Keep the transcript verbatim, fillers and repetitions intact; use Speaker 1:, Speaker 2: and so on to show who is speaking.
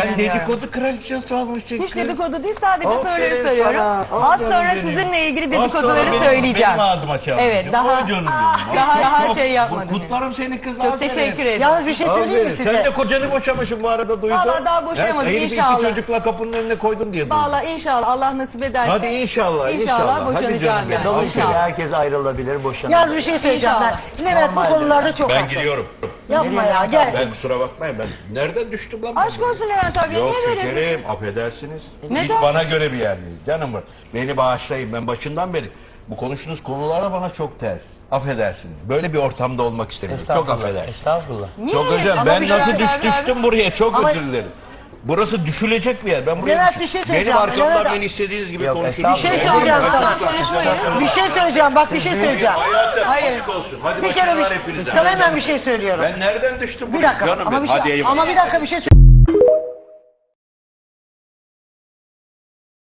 Speaker 1: Sen dedikodu kraliçesi olmuşsun.
Speaker 2: Hiç dedikodu değil, sadece
Speaker 1: Aferin
Speaker 2: soruları söylüyorum.
Speaker 1: sana,
Speaker 2: Az
Speaker 1: aferin
Speaker 2: sonra
Speaker 1: benim.
Speaker 2: sizinle ilgili
Speaker 1: Az sonra
Speaker 2: dedikoduları
Speaker 1: benim-
Speaker 2: söyleyeceğim.
Speaker 1: Benim ağzıma çarpacağım.
Speaker 2: Evet, daha
Speaker 1: Oy canım benim.
Speaker 2: daha daha
Speaker 1: Çok-
Speaker 2: şey yapmadım.
Speaker 1: Kutlarım seni kız.
Speaker 2: Çok
Speaker 1: aferin.
Speaker 2: teşekkür ederim.
Speaker 3: Yalnız bir şey söyleyeyim mi
Speaker 1: Aferin.
Speaker 3: size?
Speaker 1: Sen de kocanı boşamışsın bu arada, duydum.
Speaker 2: Vallahi daha boşayamadım,
Speaker 1: Ya, herif
Speaker 2: inşallah.
Speaker 1: iki çocukla kapının önüne koydun diye duydum.
Speaker 2: Vallahi inşallah Allah nasip ederse.
Speaker 1: Hadi inşallah, inşallah.
Speaker 2: İnşallah
Speaker 1: Hadi
Speaker 2: boşanacağım
Speaker 1: canım benim.
Speaker 2: yani.
Speaker 4: Dolayısıyla
Speaker 2: İnşallah.
Speaker 4: herkes ayrılabilir, boşanabilir.
Speaker 3: Yalnız bir şey söyleyeceğim ben.
Speaker 2: İnşallah.
Speaker 3: Levent bu
Speaker 4: Normaldir.
Speaker 3: konularda çok
Speaker 1: Ben
Speaker 3: haklı.
Speaker 1: gidiyorum.
Speaker 3: Yapma ya
Speaker 4: Nereye
Speaker 3: gel.
Speaker 1: Ben kusura bakmayın, ben nereden düştüm lan? ben
Speaker 2: Aşk
Speaker 1: buraya?
Speaker 2: olsun Levent abi.
Speaker 1: Yok
Speaker 2: Niye böyle
Speaker 1: şekerim,
Speaker 2: yapıyorsun?
Speaker 1: affedersiniz.
Speaker 2: Neden?
Speaker 1: Hiç bana göre bir yer değil. Canım, beni bağışlayın, ben başından beri bu konuştuğunuz konulara bana çok ters. Affedersiniz. Böyle bir ortamda olmak istemiyorum. Çok
Speaker 4: Estağfurullah.
Speaker 1: affedersiniz.
Speaker 4: Estağfurullah.
Speaker 2: Niye
Speaker 1: Çok
Speaker 2: öyle?
Speaker 1: özür
Speaker 2: Ama
Speaker 1: Ben
Speaker 2: bir
Speaker 1: nasıl
Speaker 2: şey
Speaker 1: düş,
Speaker 2: abi,
Speaker 1: düştüm
Speaker 2: abi.
Speaker 1: buraya? Çok
Speaker 3: Ama-
Speaker 1: özür dilerim. Burası düşülecek bir yer. Ben buraya
Speaker 3: Levent,
Speaker 1: düş-
Speaker 3: bir şey
Speaker 1: Benim
Speaker 3: söyleyeceğim.
Speaker 1: arkamdan
Speaker 3: Levent-
Speaker 1: beni istediğiniz gibi
Speaker 4: Yok,
Speaker 1: konuşun.
Speaker 4: estağfurullah.
Speaker 3: Bir şey
Speaker 1: Olur mu?
Speaker 3: söyleyeceğim
Speaker 1: Hadi
Speaker 3: sana.
Speaker 1: konuşmayın.
Speaker 3: Bir şey söyleyeceğim bak bir şey söyleyeceğim.
Speaker 1: Hayatım,
Speaker 2: Hayır.
Speaker 1: aşk olsun. Hadi
Speaker 3: Bir kere
Speaker 1: başarılar
Speaker 3: bir,
Speaker 1: hepinize.
Speaker 3: sana hemen bir şey söylüyorum.
Speaker 1: Ben nereden düştüm
Speaker 3: Bir
Speaker 1: buraya?
Speaker 3: dakika
Speaker 1: Canım
Speaker 3: ama
Speaker 1: benim.
Speaker 3: bir, şey-
Speaker 1: Hadi eyvallah.
Speaker 3: ama bir dakika bir şey söyleyeyim.